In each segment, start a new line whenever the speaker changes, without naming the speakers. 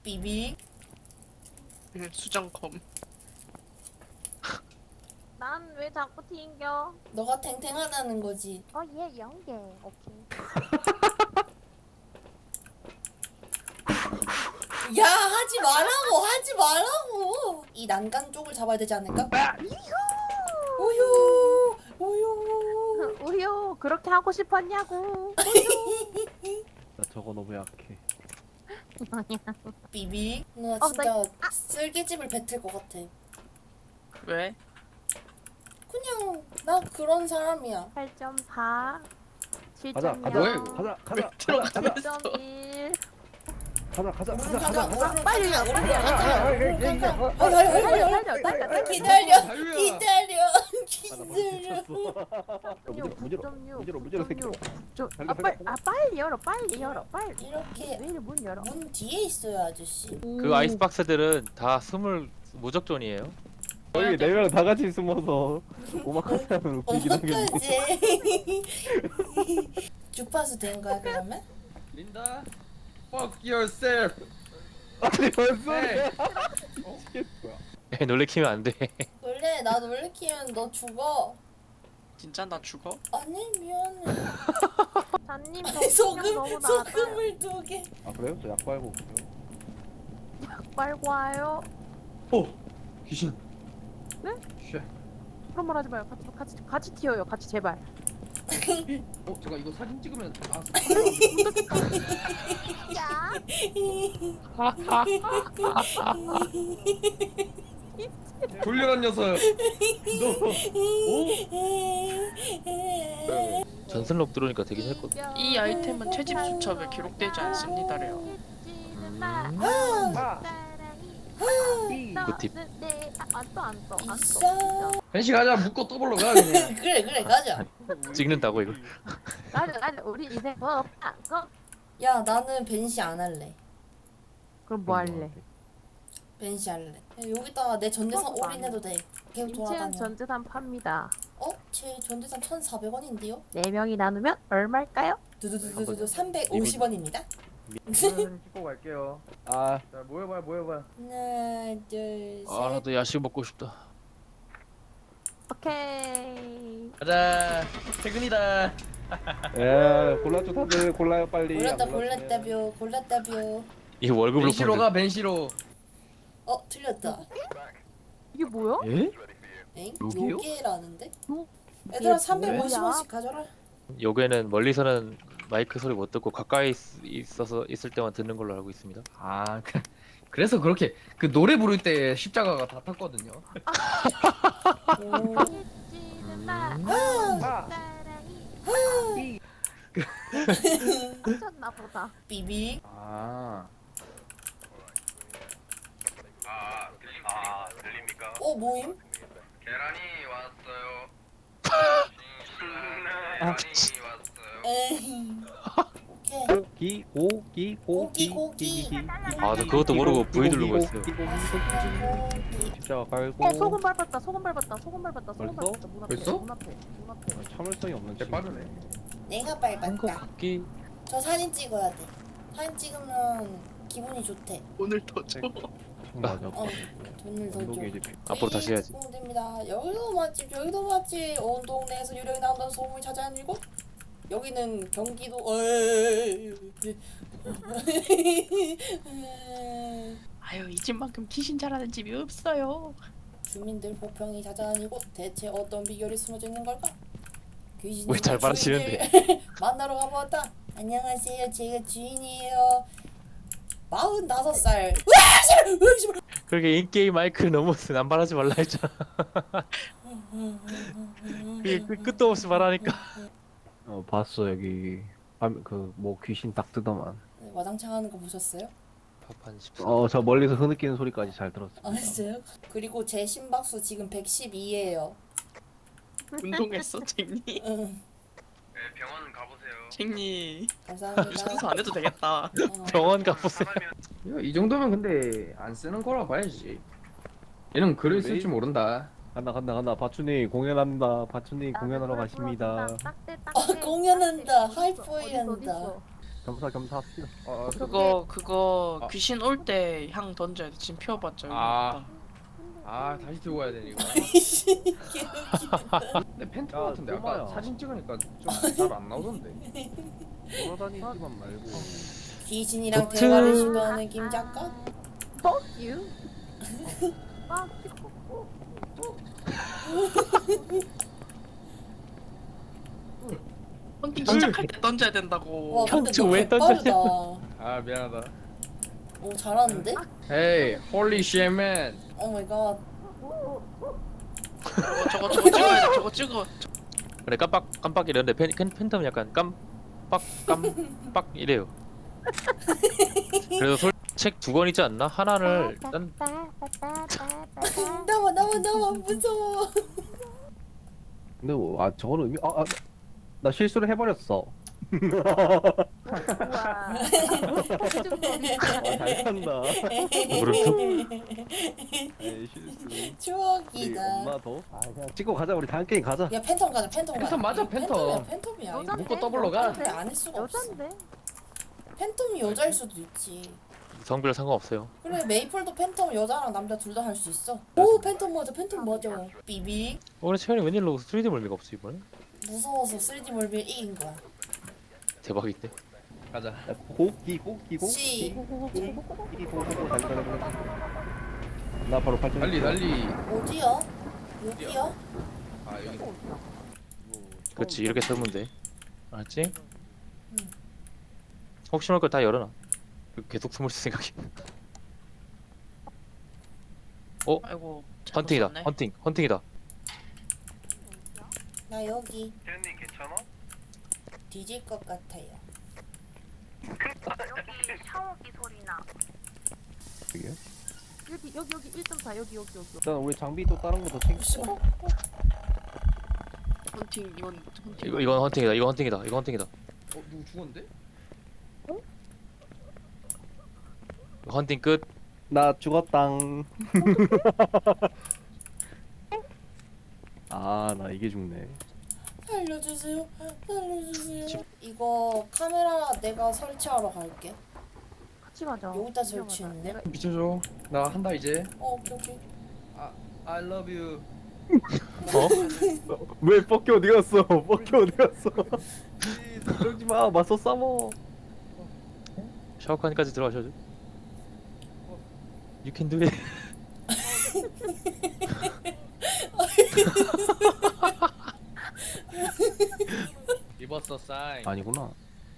삐비.
수정검.
난 왜 자꾸 튕겨?
너가 탱탱하다는 거지.
얘 연계. 오케이.
야, 하지 말라고, 하지 말라고. 이 난간 쪽을 잡아야 되지 않을까? 우유, 우유.
우효 그렇게 하고 싶었냐고.
나 저거 너무 약해.
삐비. 나
나
진짜 쓸개집을 뱉을 것 같아.
왜?
그냥 나 그런 사람이야.
8.4
가자,
7.0
가자, 가자, 가자, 가자, 가자,
7.1
가자, 가자,
오른
가자,
가자,
가자.
오른
빨리
가자,
가,
오른
빨리
가자, 오른 가자.
달려.
기다려,
자유야.
기다려.
무지로 새끼.
빨리 열어 빨리
이렇게
왜 이래 문 열어.
문 뒤에 있어요, 아저씨.
그 아이스박스들은 다 스물 무적존이에요.
거기 4명 다 같이 숨어서 오마카세 하면 웃기긴 하겠네.
어떡하지? 주파수 된 거야 그러면?
린다, fuck yourself.
아니 뭔 소리야?
애 놀래키면 안 돼.
원래 나 놀래키면 너 죽어.
진짜 나 죽어?
아니 미안해.
잔님
소금
너무 나왔어요.
소금을 2개.
아 그래요? 저 약 빨고 오세요.
빨고 와요.
귀신.
네?
쉣.
그런 말 하지 마요. 같이 튀어요. 같이 제발.
제가 이거 사진 찍으면
야.
돌려란 녀석.
전슬럽 들어오니까 되긴 했거든.
이 아이템은 채집 수첩에 기록되지 않습니다래요.
굿팁.
있어.
벤시 가자. 묶고 떠볼러 가 그냥.
그래 가자.
찍는다고 이거.
가자. 우리 이제 뭐 없다.
야 나는 벤시 안 할래.
그럼 뭐 할래?
벤시 할래. 야, 여기다가 내 전재산
그것도 안
올인해도 돼. 계속
임채연
돌아다녀.
전재산 팝니다.
제 전재산 1,400원인데요?
4명이 나누면 얼마일까요?
두두두두두 350원입니다.
좀 찍고 갈게요.
아
자 모여봐.
하나 둘 셋.
아 나도 야식 먹고 싶다.
오케이.
가자. 퇴근이다.
예, 골랐죠 다들 골라요 빨리.
골랐다뷰.
이 월급으로
벤시로
펀드.
가 벤시로.
틀렸다.
이게 뭐야?
에?
엥?
요게요?
요게라는데?
요-
얘들아
이게
350원씩 가져라.
요게는 멀리서는 마이크 소리 못 듣고 가까이 있을 때만 듣는 걸로 알고 있습니다.
아 그래서 그렇게 그 노래 부를 때 십자가가 다 탔거든요.
미쳤나 보다.
삐비.
아.
들립니까?
모임?
계란이 왔어요.
아,
계란이 왔어요.
에이. 오케이.
고기.
아, 저 그것도 모르고 V 누르고 있어요.
십자가 깔고.
소금 밟았다.
벌써?
문 앞에.
벌써?
문 앞에.
참을성이 없는
개 빠르네.
내가
한거
밟았다.
같기.
저 사진 찍어야 돼. 사진 찍으면 기분이 좋대.
오늘 더 줘.
맞아.
돈을 더 줘.
운동이 이제
앞으로 다시 해야지.
됩니다. 여기도 맛집, 여기도 맛집. 온 동네에서 유령이 나온다는 소문이 찾아낸 이곳. 여기는 경기도.
아유 이 집만큼 귀신 잘하는 집이 없어요.
주민들 호평이 자자한 이곳. 대체 어떤 비결이 숨어져 있는 걸까? 귀신이
왜 잘 말하시는데?
주인을 만나러 가보았다. 안녕하세요, 제가 주인이에요. 45살.
그렇게 인게임 마이크 너무 남발하지 말라 했잖아. 그게 끝도 없이 말하니까.
봤어 여기. 그뭐 귀신 딱 뜨더만.
와장창 하는 거 보셨어요?
파판 14.
저 멀리서 흐느끼는 소리까지 잘 들었어.
아 진짜요? 그리고 제 심박수 지금 112예요.
운동했어 쟁니.
응,
네, 병원 가보세요.
쟁니.
감사합니다.
청소 안 해도 되겠다.
병원 가보세요.
이 정도면 근데 안 쓰는 거라 봐야지. 얘는 글을 쓸 줄 모른다.
간다. 바춘이 공연한다. 바춘이 공연하러 가십니다.
공연한다. 하이포이 한다.
겸사겸사 합시다.
그거
아.
귀신 올 때 향 던져야 돼. 지금 피워봤자 여기
아.
없다.
아 다시 들고 와야 되니 이거.
이씨
근데 팬텀
야,
같은데 아까
꼬마야.
사진 찍으니까 좀 잘 안 나오던데.
돌아다니지만 말고.
귀신이랑
도트.
대화를 시도하는 김 작가?
Fuck you. 아,
헌팅 시작할 때 던져야 된다고.
와 근데
형저
너
왜
개빠르다.
아 미안하다.
오 잘하는데?
Hey, holy shit man.
오 마이 갓.
저거 찍어야 돼. 저거 찍어.
그래 깜빡 이러는데 팬텀은 약간 깜빡 이래요. 그래서 책 두 권 있지 않나? 하나를 딴
나와 무서워.
근데 저거는 나 실수를 해버렸어.
우와.
잘 산다.
그렇죠.
에이 실수. 우리
추억이다.
엄마도. 그냥 찍고 가자. 우리 다음 게임 가자.
야 팬텀 가자 팬텀 가자.
팬텀 맞아, 팬텀.
팬텀이야.
여잔데?
묶고 더블로 가.
그래 안할 수가 없어.
여잔데?
팬텀이 여자일 수도 있지.
성별 상관없어요.
그래 메이플도 팬텀 여자랑 남자 둘 다 할 수 있어. 오 팬텀 맞아 맞아. 비비
오늘 채연이 웬일로 3D 멀미가 없어 이번에?
무서워서 3D 몰빌 이긴 거야.
대박인데.
가자.
야, 고기.
씨.
나 바로 발전.
달리.
어디야? 여기야?
아 여기.
그렇지 이렇게 설면 돼. 알았지?
응.
혹시 모를 거 다 열어놔. 계속 숨을 수 생각이.
아이고. 잘못
헌팅이다.
썼네.
헌팅이다.
나 여기
태연님 괜찮아?
뒤질 것 같아요.
여기 샤워기 소리 나.
여기 1.4 여기.
일단 우리 장비 또 다른 거 더 챙겨.
씨발.
헌팅 이건 헌팅.
이건 헌팅이다. 이거 헌팅이다.
누구 죽었는데?
헌팅 끝.
나 죽었당. 나 이게 죽네.
살려주세요. 이거 카메라 내가 설치하러 갈게.
같이 가자.
여기다 설치했네.
내가
비춰줘. 나 한다 이제.
오케이.
I love you.
왜 뻑기 어디 갔어? 뻑기 어디 갔어? 그러지 마. 맞서 싸워.
샤워칸까지 들어가셔야죠. You can do it.
입었어 사인.
아니구나.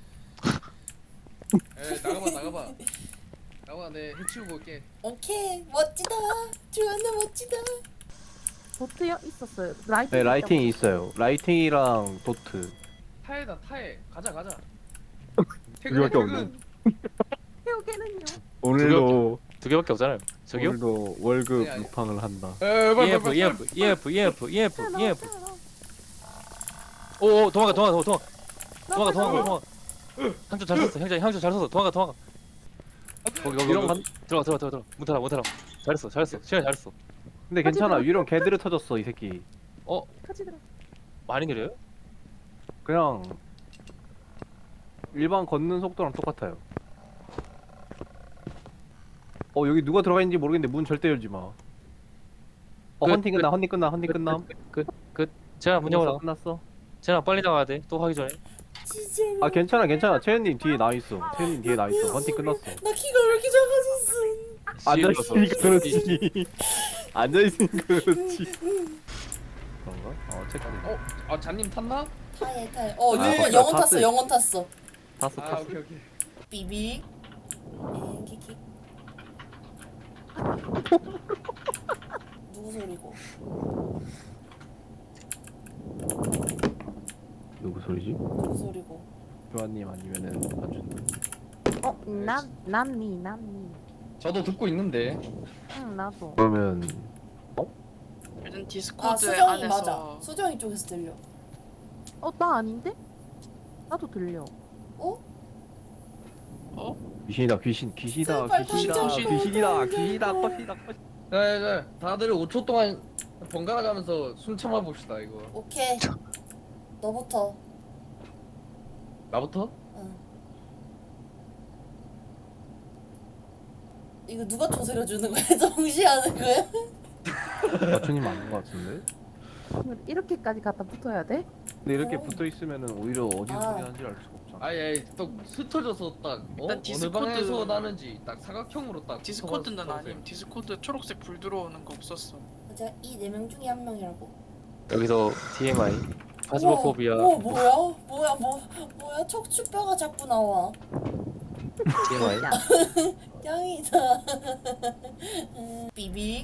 에 나가봐. 내 해치우고 올게.
오케이 멋지다. 주한나 멋지다.
도트요? 있었어요.
네, 라이팅이 있어요. 라이팅이랑 도트.
타에다 타에. 가자.
우리밖에 없네.
태우게는요.
오늘도
2개밖에 없잖아요. 저기요?
오늘도 월급
아니.
루팡을 한다.
EF. 오 도망가. 향초 잘 썼어. 향초 잘 썼어. 도망가. 거기
이런 건-
들어가. 문 닫아. 잘했어. 시간 잘했어.
근데 괜찮아. 위령 개들을 터졌어 이 새끼.
같이 들어.
많이 느려요?
그냥 일반 걷는 속도랑 똑같아요. 여기 누가 들어가 있는지 모르겠는데 문 절대 열지 마.
끝,
헌팅 끝남.
제가 문 열어.
끝났어.
제가 빨리 나가야 돼. 또 하기 전에.
진짜.
괜찮아. 채연님 뒤에 나 있어. 헌팅 끝났어.
나 키가 왜 이렇게 작아졌어?
앉아 있으니까 그렇지. 앉아 있으니까 그렇지. 그런가? 체크.
아 잔님 탔나?
타에.
아,
영원
탔어.
탔어. 영원 탔어.
탔어.
아 오케이.
비비. 킥. 누구 소리고?
누구 소리지?
누구 소리고?
교환님 아니면은 안준님.
남미.
저도 듣고 있는데.
응, 나도.
그러면
일단
아
디스코드
수정이
안에서
맞아. 수정이 쪽에서 들려.
나 아닌데? 나도 들려.
귀신이다. 귀신이다.
제발
귀신이다.
던져.
자, 다들 5초 동안 번갈아 가면서 숨 참아 봅시다 이거.
오케이. 너부터.
나부터?
응. 이거 누가 조세려 주는 거야? 정시 하는 거야?
마초님 맞는 것 같은데?
이렇게까지 갖다 붙어야 돼?
근데 이렇게
어.
붙어 있으면은 오히려 어디서
아.
소리 하는지 알 수가 없잖아.
아예 또 흩어져서 딱
일단
어느
디스코드-
방에서 나는지 딱 사각형으로 딱
디스코드는
붙어서
아님. 디스코드 초록색 불 들어오는 거 없었어.
맞아, 이 4명 중에 1명이라고.
여기서 TMI 파스모포비아
뭐야? 뭐야? 척추뼈가 자꾸 나와.
TMI
야,
짱이다. 비비.